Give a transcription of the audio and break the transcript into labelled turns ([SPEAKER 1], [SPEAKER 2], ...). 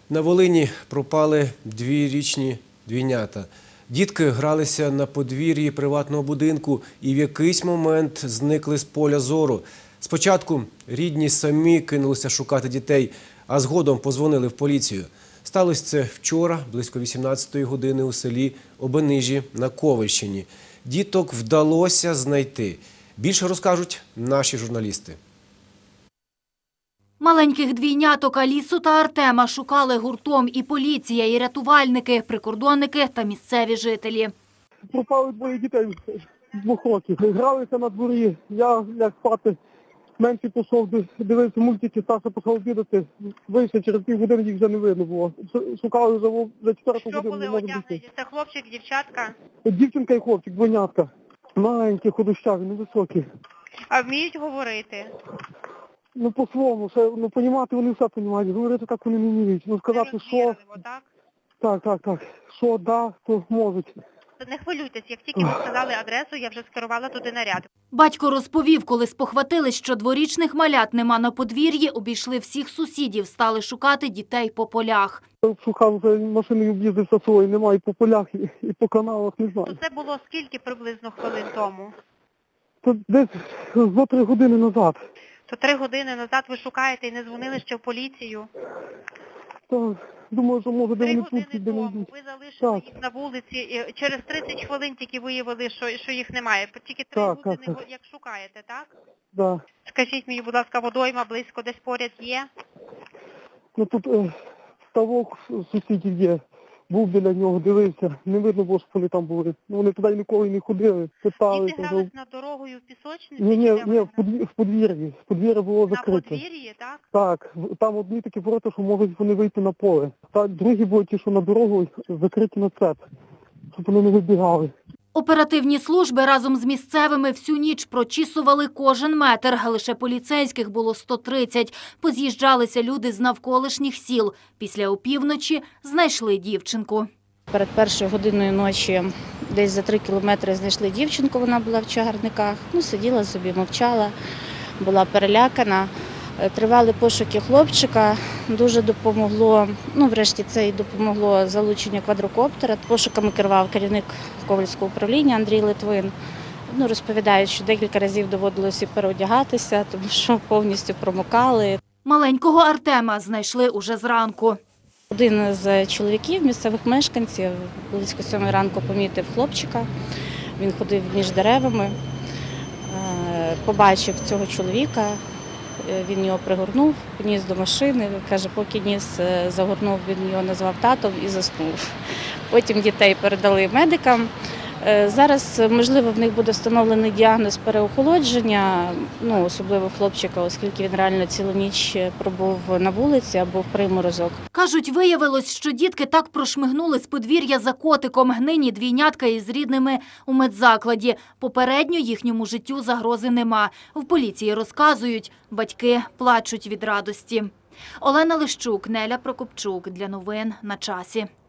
[SPEAKER 1] На Волині пропали двірічні двійнята. Дітки гралися на подвір'ї приватного будинку і в якийсь момент зникли з поля зору. Спочатку рідні самі кинулися шукати дітей, а згодом подзвонили в поліцію. Сталося це вчора, близько 18-ї години у селі Обенижі на Ковельщині. Діток вдалося знайти. Більше розкажуть наші журналісти.
[SPEAKER 2] Маленьких двійняток Алісу та Артема шукали гуртом і поліція, і рятувальники, прикордонники та місцеві жителі.
[SPEAKER 3] Пропали двоє дітей з 2 років. Гралися на дворі. Я ляг спати. Менший пішов, дивився мультики, старший пішов обідати. Вийшов, через півгодини їх вже не видно було. Шукали вже 4 годину.
[SPEAKER 4] Що були одягнені? Це хлопчик, дівчатка?
[SPEAKER 3] Дівчинка і хлопчик, двойнятка. Маленькі, худощаві, невисокі.
[SPEAKER 4] А вміють говорити?
[SPEAKER 3] Ну, по-своєму, понімати вони все понімають. Говорити так вони не вміють. Ну, сказати, що... Так. Що, да, то можуть.
[SPEAKER 4] Не хвилюйтесь, як тільки ви сказали адресу, я вже скерувала туди наряд.
[SPEAKER 2] Батько розповів, коли спохватились, що дворічних малят нема на подвір'ї, обійшли всіх сусідів, стали шукати дітей по полях.
[SPEAKER 3] Шукав, вже машиною об'їздився свої, немає по полях і по каналах, не знаю.
[SPEAKER 4] Це було скільки приблизно хвилин тому?
[SPEAKER 3] Це десь 2-3 години назад.
[SPEAKER 4] То 3 години назад ви шукаєте і не дзвонили ще в поліцію?
[SPEAKER 3] Так, думаю, що може де
[SPEAKER 4] 3
[SPEAKER 3] вони
[SPEAKER 4] години
[SPEAKER 3] тут, де не
[SPEAKER 4] тому
[SPEAKER 3] йдуть.
[SPEAKER 4] ви залишили їх на вулиці, і через 30 хвилин тільки виявили, що їх немає. Тільки 3 години, як шукаєте, так?
[SPEAKER 3] Так.
[SPEAKER 4] Скажіть мені, будь ласка, водойма близько десь поряд є?
[SPEAKER 3] Ну тут ставок сусідів є. Був біля нього, дивився. Не видно було, що вони там були. Вони туди ніколи не ходили, питали.
[SPEAKER 4] Діти грались над дорогою в пісочниці?
[SPEAKER 3] Ні, в подвір'ї. Подвір'я було закрите.
[SPEAKER 4] На подвір'ї, так?
[SPEAKER 3] Так, там одні такі ворота, що можуть вони вийти на поле. Та другі були ті, що на дорогу закриті на цеп, щоб вони не вибігали.
[SPEAKER 2] Оперативні служби разом з місцевими всю ніч прочісували кожен метр. Лише поліцейських було 130. Поз'їжджалися люди з навколишніх сіл. Після опівночі знайшли дівчинку.
[SPEAKER 5] Перед 1-ю годиною ночі десь за 3 кілометри знайшли дівчинку, вона була в чагарниках. Сиділа собі, мовчала, була перелякана. Тривали пошуки хлопчика, дуже допомогло, врешті це і допомогло залучення квадрокоптера. Пошуками керував керівник Ковельського управління Андрій Литвин. Розповідають, що декілька разів доводилося переодягатися, тому що повністю промокали.
[SPEAKER 2] Маленького Артема знайшли уже зранку.
[SPEAKER 5] Один з чоловіків, місцевих мешканців, близько 7 ранку помітив хлопчика. Він ходив між деревами, побачив цього чоловіка. Він його пригорнув, поніс до машини, каже, поки ніс загорнув, він його назвав татом і заснув. Потім дітей передали медикам. Зараз, можливо, в них буде встановлений діагноз переохолодження, особливо хлопчика, оскільки він реально цілу ніч пробув на вулиці або в приморозок.
[SPEAKER 2] Кажуть, виявилось, що дітки так прошмигнули з подвір'я за котиком. Нині двійнятка із рідними у медзакладі. Попередньо їхньому життю загрози нема. В поліції розказують, батьки плачуть від радості. Олена Лищук, Неля Прокопчук. Для новин на часі.